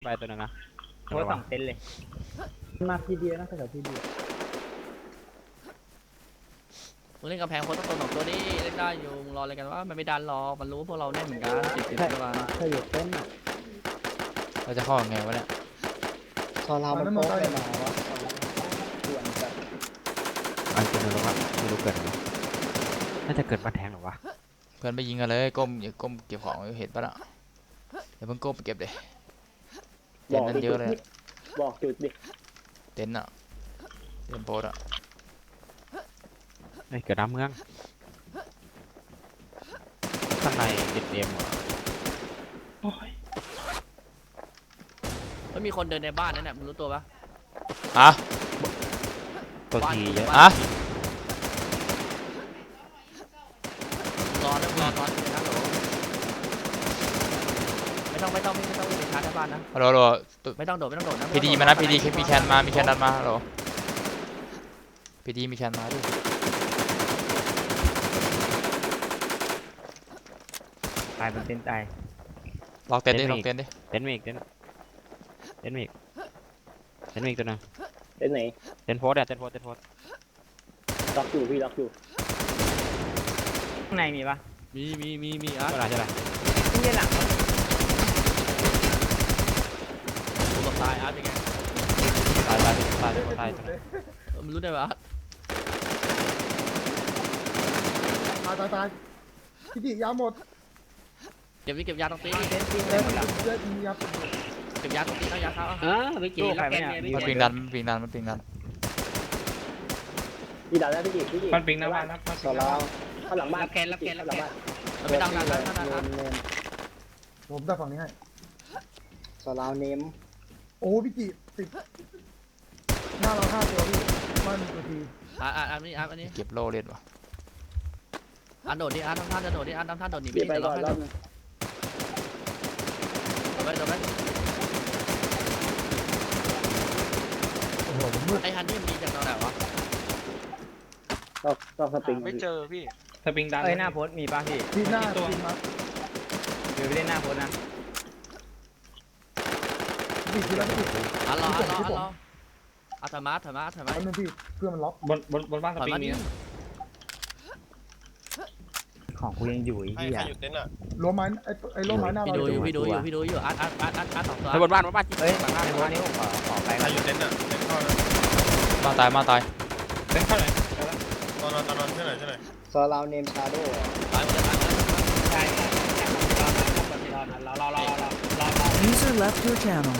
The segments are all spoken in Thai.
ไปตัวนึงนะโพสสองเต็นเลยมาทีเดียวนะแถวทีเดียวมึงเล่นกำแพงโพสต์ตัวสองตัวนี้เล่นได้อยู่มึงรออะไรกันว่ามันไม่ดันหรอกมันรู้พวกเราแน่นเหมือนกัน10ตัวถ้าอยู่เต็นอ่ะเราจะเข้ายังไงวะเนี่ยตอนเรามันโป๊กเลยหรอวะส่วนแบบอันเป็นอะไรวะไม่รู้เกิดหรอน่าจะเกิดมาแทงหรอวะเพื่อนไปยิงกันเลยก้มอย่าก้มเก็บของเห็นปะล่ะเดี๋ยวเพิ่งก้มไปเก็บเลยเต็นท์นั้นเยอะเลยบอกจุดดิเต็นท์อ่ะเต็นท์โพสอ่ะเกิดน้ำเมืองข้างในเอ็มเหรอมันมีคนเดินในบ้านนั่นแหละมึงรู้ตัวปะตัวทีเยอะรอนะรอตอนนี้นะโหลไม่ต้องไปชาร์จในบ้านนะฮัลโหลไม่ต้องโดดนะพีดีมานะพีดีมีแคนมามีแคนดันมาฮัลโหลพีดีมีแคนมาดิตายเป็นเต็นตายล็อกเต็นท์ดิล็อกเต็นท์ดิเต็นท์มีอีกตัวนึงเต็นท์ไหนเต็นท์โพสเต็นท์โพสล็อกอยู่พี่ล็อกอยู่ข้างในมีปะมีอ่ะเท่าไหร่นี่หลังกูกับตายอาร์ตเป็นไงตายมันรู้ได้ปะตายพี่ดิยาหมดเก็บยาตรงตีนเยอะจริงยาเก็บยาตรงตีนเอายาเข้าไม่กี่แล้วแกเนี่ยมันปิงดันพี่ดันแล้วพี่มันปิงหน้าบ้านนะต่อเราข้างหลังบ้านแกนหลังบ้านมันไม่ดังนะผมจะฝั่งนี้ให้ต่อเราเนมโอ้พี่จิติดหน้าเรา5 ตัวพี่บ้านตัวทีอันนี้เก็บโล่เล่นวะอันโดดดิอันทำท่าจะโดดดิอันทำท่าโดดหนีไปรอบนึงโดดไปโอ้โหมืดไอ้ฮันนี่มีจากตรงไหนวะต้องสปริงไม่เจอพี่สปริงดันหน้าโพสมีป่ะพี่ที่หน้าตัวเดี๋ยวไปเล่นหน้าโพสนะพี่ที่แล้วพี่อันรอถอยมาแล้วพี่เพื่อมันล็อกบนบ้านสปริงนี้ของกูยังอยู่ไอ้เหี้ยล้มไม้ไอ้ล้มไม้หน้าเราพี่ดูอยู่อัดสองตัวบนบ้านเฮ้ยในบ้านนี้ผมขอไปใครอยู่เต็นท์อ่ะเต็นท์เข้านะมาตายเต็นท์เข้าไหนตอนนอนใช่ไหมซอลาวเนมชาโดว์ตายหมดเลยใช่ User left your channel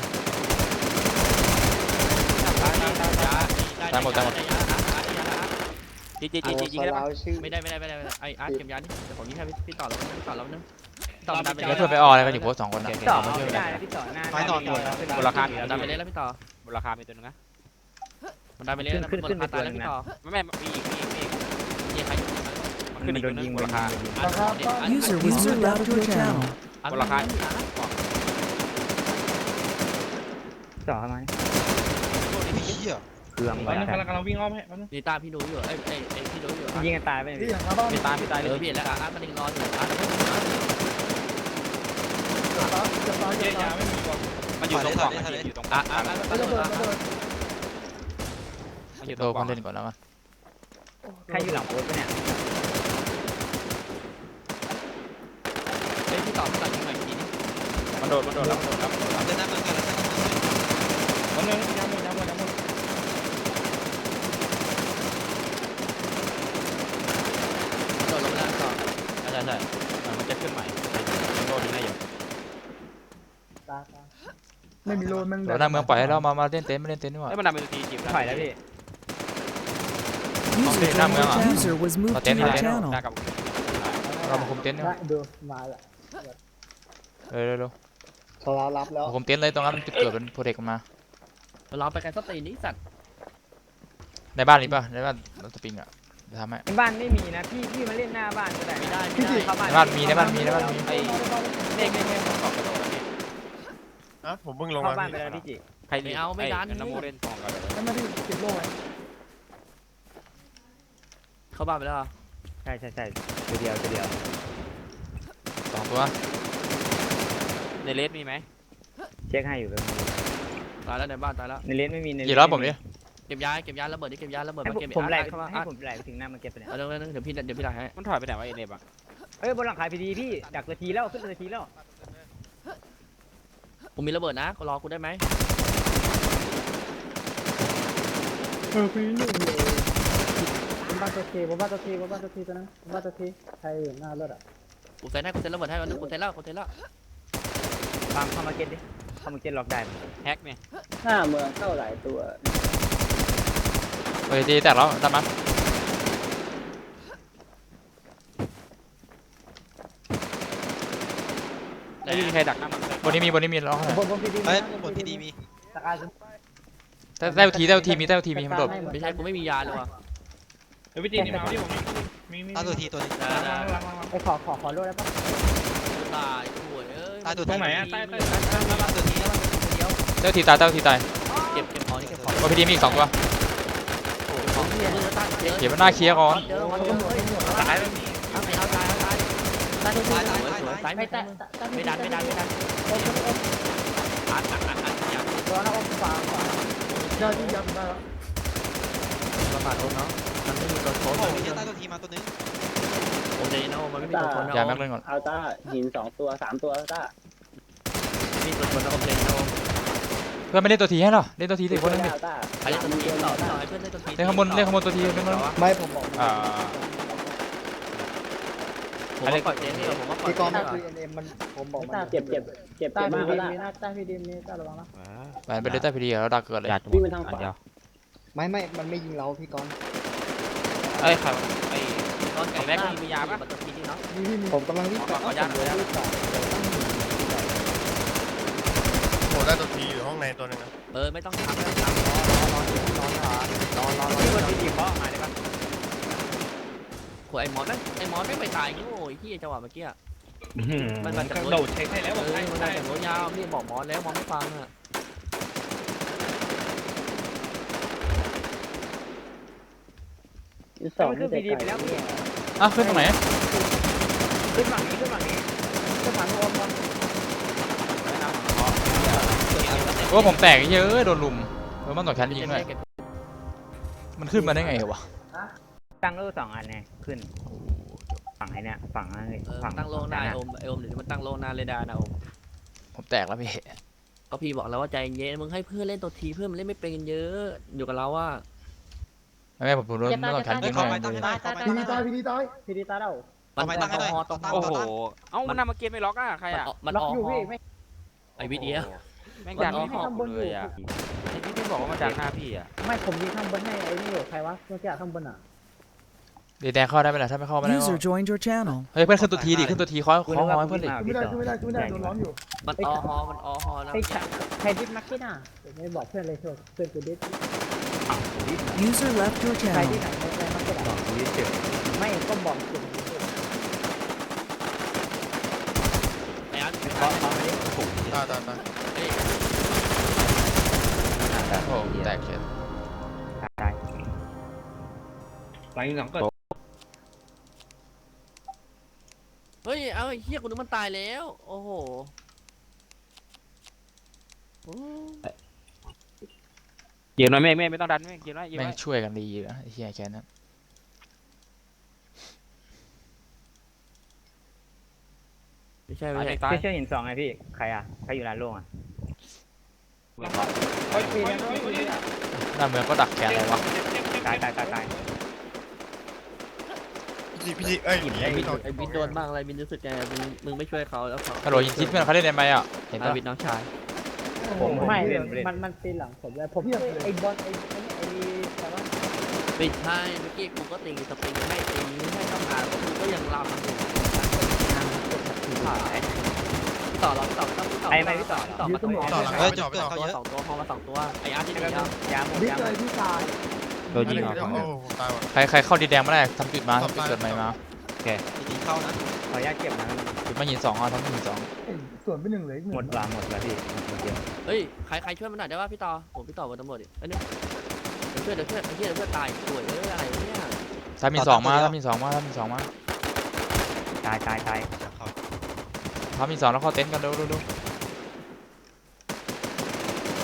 ตายหมดจียิงได้ปะไม่ได้ไอ้อาร์ตเก็บยานี่แต่ผมยิงให้พี่ต่อแล้วนึงต่อดันไปแล้วเพื่อนไปอออะไรกันอยู่โพส2 คนนะต่อไม่ได้พี่ต่อหน้าไม่นอนหมดมูลค่าดันไปเลยแล้วพี่ต่อมูลค่ามีตัวนึงนะมันดันไปเลยขึ้นไปตายแล้วพี่ต่อไม่มีอีกยิงใครมันขึ้นอีกตัวนึงมูลค่า User left your channel มูลค่าต่อทำไมเครื่องไปกำลังวิ่งอ้อมให้นี่ตาพี่ดูอยู่ไอ้พี่ดูอยู่ยิงกันตายไปพี่หลังบ้านพี่ตายเลยพี่แล้วอาร์ตมันยังรออยู่อาร์ตมันอยู่ตรงกล่องอยู่ตรงอาร์ตโดนคนเล่นก่อนแล้วกันใครอยู่หลังโพสเนี่ยเฮ้ยพี่ต่อยิงหน่อยทีนี้มันโดดแล้วเต็นท์นั้นเหมือนกันมันยังหมดโดดลงแล้วต่อใช่มันจะขึ้นใหม่โดนยังไงอยู่ไม่มีโลนมันเราหน้าเมืองปล่อยให้เรามาเล่นเต็นท์ไม่เล่นเต็นท์นี่หว่ามันดันเป็นทีจีบถอยแล้วพี่ User was moved to your channel เรามาคุมเต็นท์นี่ดูมาละเร็วเรารับแล้วคุมเต็นท์เลยตรงนั้นจุดเกิดเป็นโปรเทคมาเราไปกันสตีนี่สัตว์ในบ้านนี้ป่ะในบ้านเราจะปิงอ่ะจะทำให้ในบ้านไม่มีนะพี่มาเล่นหน้าบ้านก็ได้ไม่ได้ในบ้านมีไอ้เด็กผมขอบกระโดดแล้วพี่ผมเพิ่งลงเข้ามาบ้านไปแล้วพี่จิใครไม่เอาไม่ดันน้ำมูเล่นฟองกันเลยนั่นนะพี่ติดโล่ไว้เข้าบ้านไปแล้วใช่ตัวเดียว 2 ตัวในเลสมีไหมเช็คให้อยู่แบบตายแล้วในบ้านตายแล้วในเลนไม่มีในกี่รอบผมดิเก็บยาระเบิดดิเก็บยาระเบิดให้มาเก็บผมไหลเข้ามาให้ผมไหลไปถึงหน้ามาเก็บไปเนี่ยเดี๋ยวพี่ไหลให้มันถอยไปไหนวะเอเนบอ่ะเอ้ยบนหลังคาพีดีพี่ดักตัวทีแล้วขึ้นตัวทีแล้วผมมีระเบิดนะรอกูได้ไหมปีหนึ่งเลยบ้านตัวทีบ้านตัวทีตัวนั้นบ้านตัวทีใครอยู่หน้ารถอ่ะกูเซ็นระเบิดให้วันนึงกูเซ็นแล้วตามเข้ามาเก็ตดิเข้ามาเก็ตล็อกได้แฮกเนี่ยหน้าเมืองเข้าหลายตัวเฮ้ยตีแตกแล้วตามมาไม่มีใครดักหน้ามันเลยบนนี้มีล็อกให้บนพีดีเฮ้ยบนที่ดีมีตะการแต่แต้วทีมีมันโดดไม่ใช่กูไม่มียาเลยว่ะเฮ้ยพี่จีนนี่มาที่ผมมีตาตัวทีตัวนึงไปขอรถได้ปะตายโวยเอ้ยตาตัวตรงไหนอ่ะใต้ตาตัวทีแต้วทีตายเก็บของนี่เก็บของบนพีดีมีอีก2ตัวของเยอะเก็บมันหน้าเคลียร์ก่อนเยอะวันเยอะตายแล้วนี่เอาตายไม่ดันอย่าตัวนั้นอมฟ้าได้ที่ยันได้แล้วประมาทโอ้เนาะมันไม่มีตัวโค้ดโอ้ยตาตัวทีมาตัวนึงโอ้เดนมันไม่มีตัวโค้ดนะอย่าแม็กเล่นก่อนเอาต้าหิน2 ตัว 3 ตัวต้าไม่มีตัวโค้ดนะโอเดนนะเพื่อนไม่เล่นตัวทีให้หรอเล่นตัวทีสิคนนึงดิต้าใครเล่นตัวทีต่อให้เพื่อนเล่นตัวทีเล่นข้างบนตัวทีเล่นข้างบนไม่ผมบอกผมว่าปล่อยเจนนี่ผมว่าปล่อยพี่กองไม่คุยเอ็มมันผมบอกมันเจ็บมากแล้วนะต้าพี่ดิมนี่ต้าระวังนะไปเล่นใต้พีดีแล้วดักเกิดเลยหยาดวิ่งไปทางขวาเดียวไม่มันไม่ยิงเราพี่กองเอ้ยครับไอ้ตอนแข่งแรกมียาปะตัวทีนี่เนาะผมกำลังวิ่งไปโอ้ได้ตัวทีอยู่ห้องในตัวนึงนะไม่ต้องทำรอที่บนพีดีเขามาได้ปะขวไอ้มอนไม่ไปตายโง่ไอ้ที่จังหวะเมื่อกี้มันจะโดดเช็คให้แล้วบอกมันใช่มาใช่จากรถยาวนี่บอกมอนแล้วมอนไม่ฟังอ่ะมันขึ้นพีดีไปแล้วพี่อ่ะขึ้นตรงไหนขึ้นฝั่งนี้ก็ฝังอมโอ้ผมแตกเยอะโดนลุมมันต่อชั้นยิงด้วยมันขึ้นมาได้ไงวะตั้งโล่2 อันไงขึ้นฝั่งไอ้เนี่ยฝั่งนั้นฝั่งตั้งโลหน้าไอโอมหรือมันตั้งโลหน้าเรดาร์นะโอมผมแตกแล้วพี่ก็พี่บอกแล้วว่าใจเย็นมึงให้เพื่อนเล่นตัวทีเพื่อนมันเล่นไม่เป็นกันเยอะอยู่กับเราว่าแม่ผมโดนต่อชั้นยิงเข้าด้ไปวยตั้งให้ได้เข้าไปพีดีตายพีดีตายพี่ดิต้าเราเอาไปตั้งให้ได้โอ้โหเอ้ามันนำมาเกมไม่ล็อกอ่ะใครอ่ะมันล็อกออกอยู่พี่ไม่ไอวิดีโอแม่งดักข้างบนเลยอ่ะไอ้ที่บอกว่ามันดักหน้าพี่อ่ะไม่ผมยิงข้างบนให้ไอ้นี่ใครวะเมื่อกี้ข้างบนอ่ะดีแดงเข้าได้ไหมล่ะถ้าไม่เข้าไม่ได้ User joined your channel. เฮ้ยเพื่อนขึ้นตัวทีดิขึ้นตัวทีคอยเพื่อนดิไม่ได้โดนล้อมอยู่มันออฮอแล้วไอ้ใครดิสนักกี้น่ะไม่บอกเพื่อนเลยเพื่อนกูดิส User left your ใคร channel. ที่ไหนไม่มันก็บอกไม่ก็บอกกลุ่มไอ้อาร์ตตาโอ้แตกเฉยตายหลังยิง2เกิดเฮ้ยเอาไอ้เหี้ยกูนึกมันตายแล้วโอ้โหเกมน้อยไม่ต้องดันเกมน้อยแม่งช่วยกันดีนะไอ้เหี้ยแค่นั้นไม่ใช่เชื่อหิน2ไงพี่ใครอยู่ร้านโล่งหน้าเมืองก็ดักแขนเลยวะตายพี่จีเอ้ยไอ้บินโดนบ้างอะไรบินรู้สึกไงมึงไม่ช่วยเขาแล้วเขากระโดดยิงทิศเพื่อนเขาเล่นได้ไหมอ่ะเห็นปะบินน้องชายไม่มันปีหลังผมเลยผมไอ้บอลไอ้แต่ว่าไม่ใช่เมื่อกี้กูก็ตีสปริงไม่ตีให้เข้ามากูก็ยังรำอยู่ต่อเราต่อต่อมาตัวพอมา2ตัวไอ้อาร์ตที่นี่แล้วยาหมดบิ๊กยาหมเลยดที่ตายโดนยิงออกโอ้ตายว่ะใครเข้าดีแดงไม่ได้ทำจุดมาทำจุดเกิดใหม่มาทีเข้านะขออนุญาตเก็บนะจุดมาหิน2อ่ะทำหิน2 ส่วนไป1เหลืออีกหมด 1 หมดแล้วพี่หมดเดียวเฮ้ยใครช่วยมันหน่อยได้ป่ะพี่ต่อผมพี่ต่อบนตำรวจดิเอ้ยเดี๋ยวเพื่อนตายสวยอะไรเนี่ยทำหิน2มาทำหิน2มาตายทำหิน2แล้วเข้าเต็นท์กันเร็ว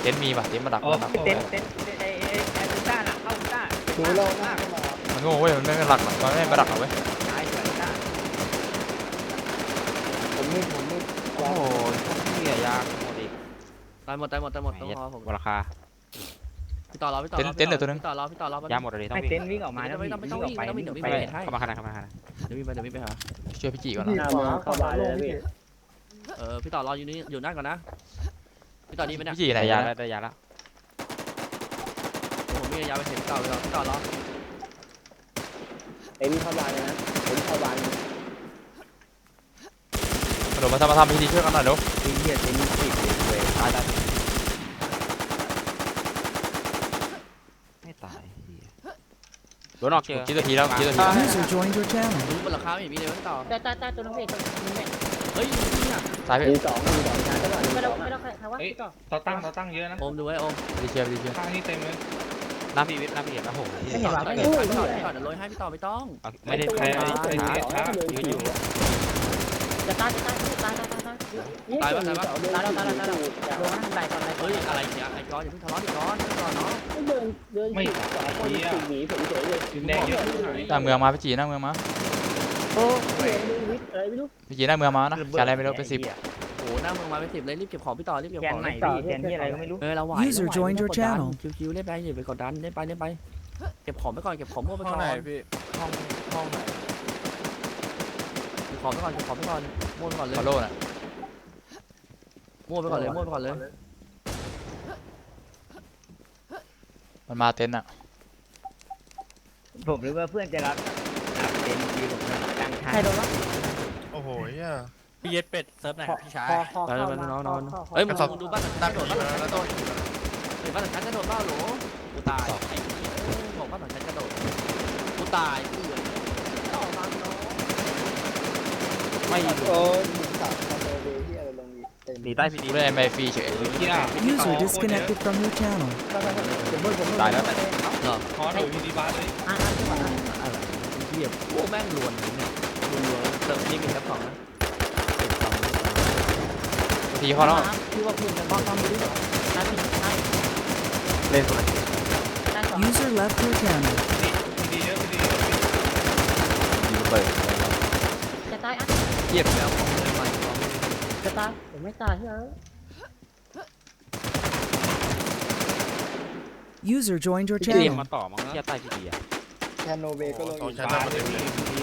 นท์มีป่ะเต็นท์มาดักเต้นไอ้ลูต้าน่ะเข้าลูต้าดูเราหน้าเข้ามามันโง่เว้ยมันไม่มาดักมันไม่มาดักเราเว้ยตายสวยลูต้าผมมืดโอ้โหเหี้ยยากหมดอีกตายหมดต้องรอผมราคาพี่ต่อรอพี่ต่อรอพี่ต่อรอยาหมดเลยต้องให้วิ่งเต้นวิ่งออกมาไม่ต้องวิ่งไปไม่ต้องวิ่งเดี๋ยววิ่งไปไปให้เข้ามาขนาดเข้ามาขนาดเดี๋ยววิ่งไปหาช่วยพี่จีก่อนพี่นะขวาเข้ามาเลยพี่พี่ต่อรออยู่นี่อยู่นั่นก่อนนะพี่ต่อดีไหมเนี่ยพี่จีไหนได้ยายาแล้วได้ยาแล้วผมมียาไปเห็นพี่ต่อรอเอ็มเข้าบ้านเลยนะเอ็มเข้าบ้านเดี๋ยวมาทำพิธีช่วยกันหน่อยเดี๋ยวไอ้เหี้ยเต้นติดเลยตายไม่ตายโดนออกเจอกี่นาทีแล้ว User joined your channel. บนราคาไม่มีเลยพี่ต่อตายตัวน้องเอกตัวนึงเนี่ยเฮ้ยนี่อ่ะตายพี่มีสองชาร์จก่อนไม่ต้องใครว่าต่อเราตั้งเยอะนะโอมดูไว้โอมพิธีเชียร์พิธีเชียร์ข้างนี้เต็มเลยน้ำพีวิทน้ำพีเอ็มโอ้โหไม่เห็นว่าไม่พี่รู้ต่อเดี๋ยวโรยให้พี่ต่อไม่ต้องไม่ได้ยืนอยู่จะตายลงนั่งใดก่อนเลยเฮ้ยอะไรเนี่ยไอ้ก้อนอย่าเพิ่งทะเลาะดิก้อนเนาะไม่คนหนีผมเฉยเลยแดงเยอะหน่อยหน้าเมืองมาพี่จีหน้าเมืองมาโอ้ยวิทย์อะไรไม่รู้พี่จีหน้าเมืองมานะแกอะไรไม่รู้เป็น10 โอ้หน้ามึงมาเป็น10เลยรีบเก็บของพี่ต่อรีบเก็บแกขนองไหนพี่แกนที่อะไรก็ไม่รู้เราไหว User joined your channel. คิวๆเล่นไปอย่าไปกดดันเล่นไปเก็บของไปก่อนเก็บของมั่วไปห้ก่ออง นไหนพี่ห้องไหนเก็บของไปก่อนมั่วไปก่อนเลยฟอลโล่น่ะมั่วไปก่อนเลยมันมาเต็นท์อ่ะผมนึกว่าเพื่อนจะรับเต้นทีผมตั้งท่าใครโดนวะโอ้โหเหี้ยพี่เย็ดเป็ดเซิร์ฟไหนพี่ชายคอไปเลยนอนเฮ้ยมึงดูบ้านหลังชั้นกระโดดบ้านหลังชั้นกระโดดเห็นบ้านหลังชั้นกระโดดบ้าหรอกูตายไอ้บอกบ้านหลังชั้นกระโดดกูตายกูเหลือต่อมาเนาะไม่ยืนโอ้ยสามคาโดเวที่อะไรลงเต็มหนีใต้พีดีไม่ได้ไม่ฟรีเฉย User disconnected from your channel. ตายแล้วขอหน่อยพี่ดีบ้าเลยจังหวะอะไรเหี้ยพวกแม่งลวนเนี่ยลวนเซิร์ฟนี่มีแค่2นะพิธีเขาแล้วที่ว่าคุณจะมองความรู้นั่นใช่เล่นคนละได้สอง User left your channel. พี่ดีเยอะพี่ดีเยอะยิงเปิดจะตายอ่ะเหี้ยแล้วของเลยไปจะตายผมไม่ตายเฮ้ย User joined your พี่เอ็ม channel. มาต่อมั้งที่ใต้พีดีอ่ะแคโนเวก็ลงสองอยู่ชั้นมาเต็มเลย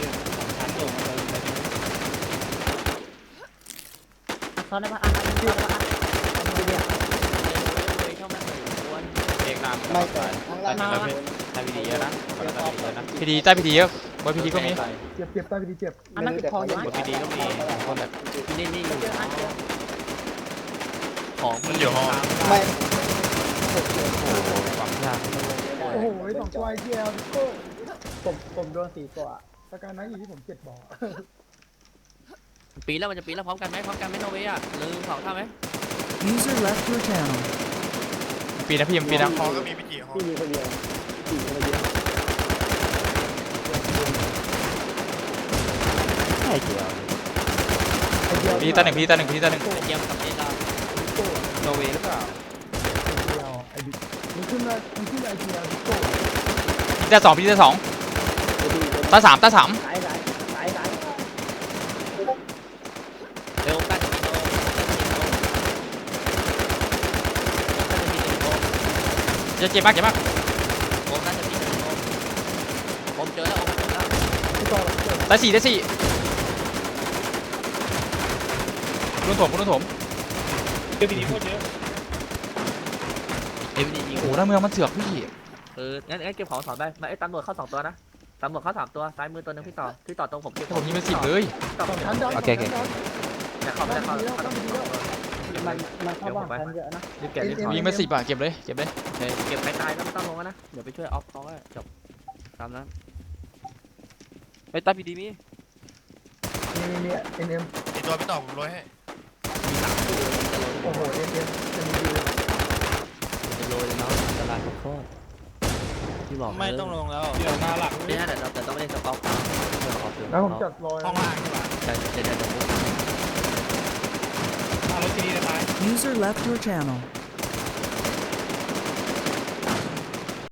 ซ้อนได้ปะอ่ะซ้อนได้ปะอ่ะเอกนามไม่แต่ข้างล่างใต้พีดีเยอะนะใต้พีดีเยอะนะพิธีใต้พิธีเยอะบนพิธีก็มีเจ็บใต้พี่ดีเจ็บอันนั้นคือคออยู่บนพีดีก็มีคนแบบนี่อยู่เจออันเจอของมันอยู่ห้องไม่โอ้โหความยากโอ้โหสองตัวไอเจียวโก้ผมโดน4ตัวสการนั้นอยู่ที่ผม7บ่อปีแล้วมันจะปีแล้วพร้อมกันไหมโนเวอ่ะลืม2ท่าไหม User left your channel. ปีนะพี่มันปีนะห้องก็มีพี่จีห้องพี่มีคนเดียว4คนเดียวไม่เกี่ยวไอเจียวพิธีตาหนึ่งพิธีตาหนึ่งพิธีตาหนึ่งเยี่ยมกับเจนเราโนเวหรือเปล่าเจียวไอบิ๊กมันขึ้นไอเจียวโก้พิธีตาสองพิธีตาสองตาสามสายเร็วกันเจ็บมากโอมน่าจะมีโอมเจอแล้วพี่ต่อเจ็บตาสี่รุ่นถมเดี๋ยวพี่ดีโคตรเยอะเอ็มดียิงโอ้หน้าเมืองมันเถือกพี่งั้นเก็บของถอนไปมาไอ้ตำรวจเข้า2ตัวนะตำรวจเข้า3ตัวซ้ายมือตัวนึงพี่ต่อตรงผมเก็บผมยิงเป็น10เลยต่อสองชั้นดอนแต่เขาไม่ได้เข้ามันเข้าบ้านกันเยอะนะรีบเก็บรีบถผมอนยิงเป็น10อ่ะเก็บเลยเก็บไปตายแล้วไม่ต้องลงนะเดี๋ยวไปช่วยออฟเขาจบตามนั้นไปใต้พีดีมีมีเอ็มอีกตัวพี่ต่อผมร้อยให้โอ้โหเอ็มจะมีดีจะโรยเลยเนาะตลาดโคตรที่บอกไม่ต้องลงแล้วเดี๋ยวหน้าหลักไม่ใช่แต่ต้องไม่ได้สต็อกแล้วผมจัดรอยห้องล่างดีกว่าจะหน้ารถที่นี่นะตาย User left your channel.